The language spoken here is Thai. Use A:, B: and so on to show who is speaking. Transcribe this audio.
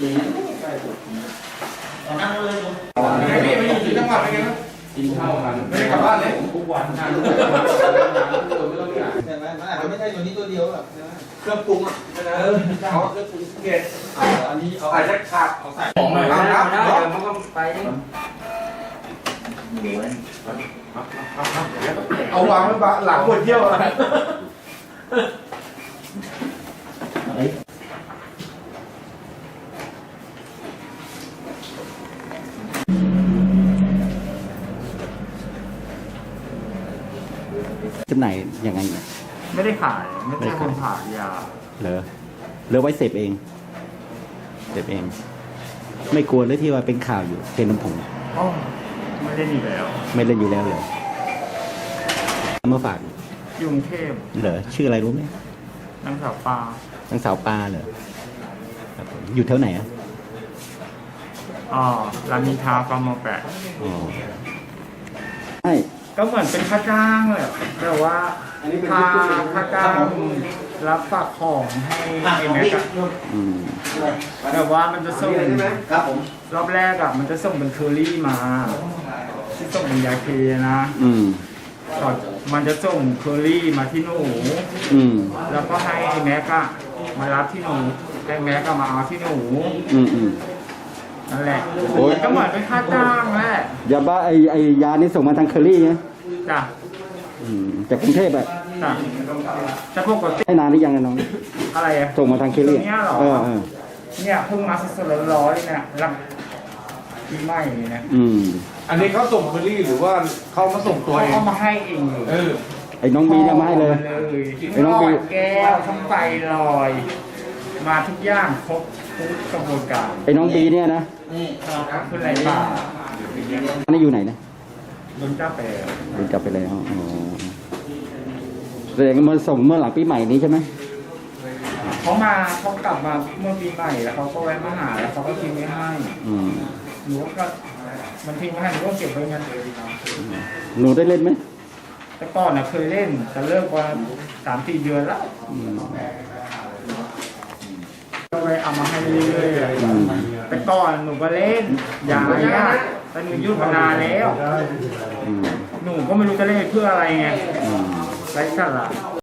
A: นั่งเลย
B: ไม่อยู่ที่จังหวัดอะไรกันกินข้าวกันไม่ได้กลับบ้านเลยทุกวันทุกวันใช่ไหมมันอาจจะไม่ใช่ตัวนี้ตัวเดียวหรอกเครื่องปรุงอ่ะเขาเครื่องปรุงเกล็ดอันนี้เอาใส่ขาดเอาใส่ของหน่อยครับมันก็ไปเอาวางไว้หลังบนเที่ยวอะไร
C: จำหน่ายยังไงเนี่ย
D: ไม่ได้ขายไม่ใช่คนขายยา
C: เหลือไว้เสพเองไม่กลัวเลยที่ว่าเป็นข่าวอยู่เคนมผง
D: อ๋อไม่ได้ดีแล้ว
C: ไม่เล่นอยู่แล้วเลยมาฝาก
D: กรุงเทพ
C: เหรอชื่ออะไรรู้ไหม
D: นางสาวปลาน
C: างสาวปลาเหรอครับผมอยู่แถวไหนอ่ะ
D: อ๋อรามินทราฟาร์มแปะ
C: อ๋อใช่
D: ก็เหมือนเป็นค่าจ้างเลยแต่ว่าค่าจ้างรับฝากของให้ไอ้แม็กอะ
C: อืม
D: แต่ว่ามันจะส่ง
B: ครับผม
D: รอบแรกอะมันจะส่งเป็นเคอรี่มาที่ส่งเป็นยาเคนะ
C: อืม
D: ก่อนมันจะส่งเคอรี่มาที่หนู
C: อืม
D: แล้วก็ให้ไอ้แม็กอะมารับที่หนูให้แม็กก็มาเอาที่หนู
C: อืมอืม
D: นั่นแหละ
C: โอ้ย
D: ก็เหมือนเป็นค่าจ้างแหละ
C: ยาบ้าไอยานี่ส่งมาทางเคอรี่ไง
D: จ้ะ
C: อืมจากกรุงเทพอะ
D: จ้ะจะปกติ
C: ให้นานหรือยังอะน้อง
D: อะไรอะ
C: ส่งมาทางเคอรี่
D: เนี่ยเหรอ
C: เออ
D: เนี่ยเพิ่งมาสดๆร้อนๆเลยเนี่ยรับปีใหม่เลยนะ
C: อืม
B: อันนี้เขาส่งเคอรี่หรือว่าเขามาส่งตัวเอง
D: เอามาให้เองเลย
B: เออ
C: ไอ้น้องบีเนี่ยมาให้เลย ไอ้น้องบี
D: หลอดแก้วทั้งไฟลอย มาทุกอย่างครบทุกกระบวนการ
C: ไอ้น้องบีเนี่ยนะ
D: ขึ้นไรป่า
C: อันนี้อยู่ไหนนะ
D: โดนจ้าแปร
C: โดนจับไปแล้วอ๋อแสดงว่ามาส่งเมื่อหลังปีใหม่นี้ใช่ไหม
D: เขากลับมาเมื่อปีใหม่แล้วเขาก็แวะมาหาแล้วเขาก็ทิ้งไว้ให้
C: อืม
D: หนูก็มันทิ้งไว้ให้หนูก็เก็บไว้เงินเลย
C: หนูได้เล่นไหม
D: แต่ก่อนน่ะเคยเล่นแต่เลิกมา3-4 เดือนแล้ว
C: อืม
D: ก็ไปเอามาให้เรื่อยๆอะแต่ก่อนหนูก็เล่นยายอะแต่หนูหยุดมานานแล้ว
C: อืม
D: หนูก็ไม่รู้จะเล่นเพื่ออะไรไง
C: อืม
D: ไร้สาระ